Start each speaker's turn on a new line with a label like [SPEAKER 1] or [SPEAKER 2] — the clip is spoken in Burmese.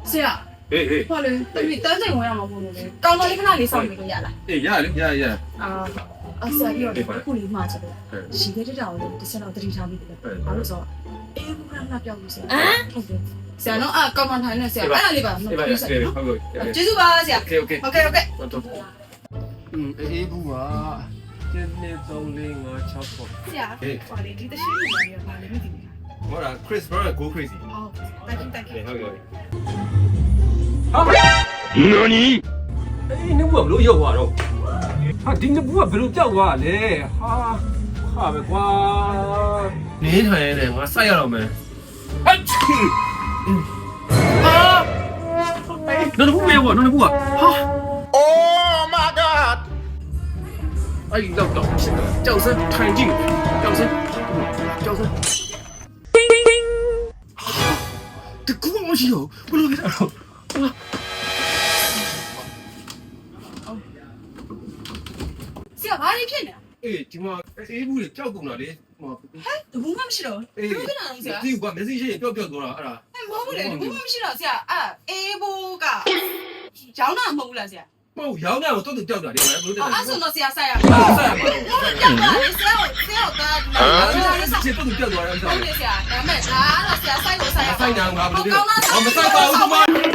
[SPEAKER 1] ဆရာဟောလေတန်းချိန်ဝင်ရမှာပေါ့လေကောင်းတော်လေးခဏလေးစောင့်နေလို့ရလား
[SPEAKER 2] အေးရလေရ
[SPEAKER 1] ဆရာပြီးတော့ခုလေးမှာချက်လို့ရှိခဲ့တဲ့တောင်လေးတစ်ချက်တော့တတိထားပြီးတယ်ဘာလို့ဆိုအေးခုခဏပြောက်လို့ဆရာဟုတ်တယ်ဆရာနော်ကောင်းမှထိုင်နေဆရာအဲ့ဒါလေးပါနော်ဟုတ်ကဲ့ကျေးဇူးပါဆရာ
[SPEAKER 2] โอเคအေးဘူးက1 2 3 4 5 6ပေါ့
[SPEAKER 1] ဆရာဟောလေဒီတရှိနေပါရောဘာလဲမသိဘူး
[SPEAKER 2] ဟောတာ Chris brother go crazy
[SPEAKER 1] ဟုတ်တက်ကြည့်
[SPEAKER 2] ဟုတ်ကဲ့
[SPEAKER 3] 何
[SPEAKER 4] အေးနှုတ်ကဘလို့ရောက်သွားတော့ဟာဒီနှစ်ဘူးကဘလို့ကြောက်သွားလဲဟာပဲကွာ
[SPEAKER 2] နေထိုင်ရတယ်ငါစိုက်ရတော့မယ်ဟာနော်ဘူးမေဘောနော်ဘူးဟာ
[SPEAKER 3] Oh my god
[SPEAKER 2] အဲ့ဒီတော့ကြောက်စမ်းထိုင်ကြည့်ကြောက်စမ်းတကူမရှိတော့ဘလို့လဲတော့
[SPEAKER 1] ဆရာဘာလေးဖြစ်နေ
[SPEAKER 2] အေးဒီမှာအေးဘူးလေကြောက်ကုန်တာလေဟို
[SPEAKER 1] ဟဲ့တဘူးမှမရှိတော့
[SPEAKER 2] အေး
[SPEAKER 1] ဘူးခဏတော့ဆရာ
[SPEAKER 2] ဒီကမက်ဆေ့ချ်ပျောက်သွားတာအဲ့ဒါ
[SPEAKER 1] ဟဲ့မဟုတ်ဘူးလေတဘူးမှမရှိတော့ဆရာအေးဘိုးကရောင်းတာမဟုတ်ဘူးလားဆရာ
[SPEAKER 2] မဟုတ်ရောင်းတာကိုတော့ကြောက်တာလေဘယ်လိုလဲ
[SPEAKER 1] အဲ့ဆိုတော့ဆရာဆိုင်ရ
[SPEAKER 2] ဆက်ရမှာ
[SPEAKER 1] ဟုတ်တယ်ကြောက်တာလေဆရာကဒီမှာ
[SPEAKER 2] ချစ်တော့ကြောက်သွားတယ်အဲ့ဒါ
[SPEAKER 1] ဟုတ်တယ်ဆရာဒါမဲ့ဒါတော့ဆရာဆိုင်ကိုဆိုင်ရ
[SPEAKER 2] ဆိုင်တာငါဘယ်လိုလဲ
[SPEAKER 1] ကောင်းလား
[SPEAKER 2] မဆိုင်ပါဘူးဒီမှာ